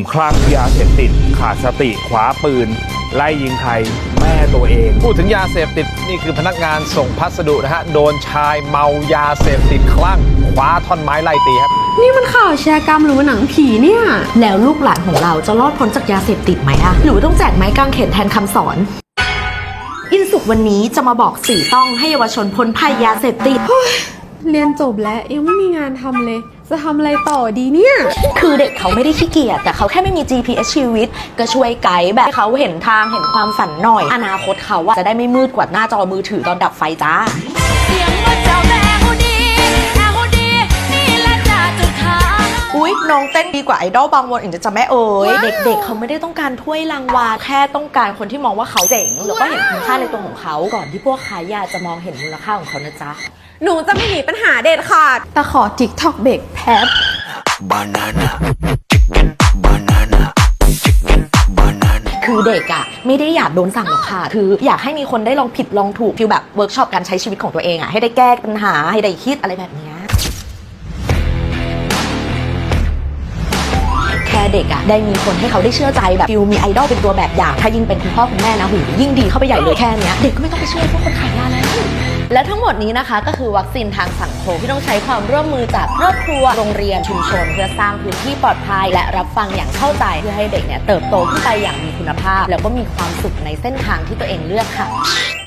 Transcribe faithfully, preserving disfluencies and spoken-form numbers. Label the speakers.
Speaker 1: คลั่งยาเสพติดขาดสติคว้าปืนไล่ยิงใครแม่ตัวเอง
Speaker 2: พูดถึงยาเสพติดนี่คือพนักงานส่งพัสดุนะฮะโดนชายเมายาเสพติดคลั่งคว้าท่อนไม้ไล่ตีครับ
Speaker 3: นี่มันข่าวแชร์กรรมหรือว่าหนังผีเนี่ยแล้วลูกหลานของเราจะรอดพ้นจากยาเสพติดไหมอะหรือว่าต้องแจกไม้กางเขนแทนคำสอนอินสุกวันนี้จะมาบอกสี่ต้องให้เยาวชนพ้นภัยยาเสพติด
Speaker 4: เรียนจบแล้วยังไม่มีงานทำเลยจะทำอะไรต่อดีเนี่ย
Speaker 3: คือเด็กเขาไม่ได้ขี้เกียจแต่เขาแค่ไม่มี จี พี เอส ชีวิตก็ช่วยไกด์แบบให้เขาเห็นทางเห็นความฝันหน่อยอนาคตเขาจะได้ไม่มืดกว่าหน้าจอมือถือตอนดับไฟจ้าเสียงว่าเจ้าแม่ฮูดีแม่ฮูดีนี่แหละจ้าจุดขายอุ๊ยน้องเต้นดีกว่าไอดอลบางวนอีกจะแม่เอ๋ยเด็กๆเขาไม่ได้ต้องการถ้วยรางวัลแค่ต้องการคนที่มองว่าเขาเจ๋งแล้วก็เห็นคุณค่าในตัวของเขาก่อนที่พวกขายยาจะมองเห็นมูลค่าของเขานะจ๊ะ
Speaker 4: หนูจะไม่หนีปัญหาเด็ดขาดแต่ขอ ทิกต็อก เบรกแป๊บ
Speaker 5: Banana Chicken Banana Chicken Banana
Speaker 3: คือเด็กอะไม่ได้อยากโดนสั่งหรอกค่ะคืออยากให้มีคนได้ลองผิดลองถูกฟิลแบบเวิร์กช็อปการใช้ชีวิตของตัวเองอะให้ได้แก้ปัญหาให้ได้คิดอะไรแบบนี้แค่เด็กอะได้มีคนให้เขาได้เชื่อใจแบบฟิลมีไอดอลเป็นตัวแบบอย่างถ้ายิ่งเป็นคุณพ่อคุณแม่นะหูยิ่งดีเข้าไปใหญ่เลยแค่นี้เด็กก็ไม่ต้องไปเชื่อพวกคนขายยาแล้วและทั้งหมดนี้นะคะก็คือวัคซีนทางสังคมที่ต้องใช้ความร่วมมือจากครอบครัวโรงเรียนชุมชนเพื่อสร้างพื้นที่ปลอดภัยและรับฟังอย่างเข้าใจเพื่อให้เด็กเนี่ยเติบโตขึ้นไปอย่างมีคุณภาพแล้วก็มีความสุขในเส้นทางที่ตัวเองเลือกค่ะ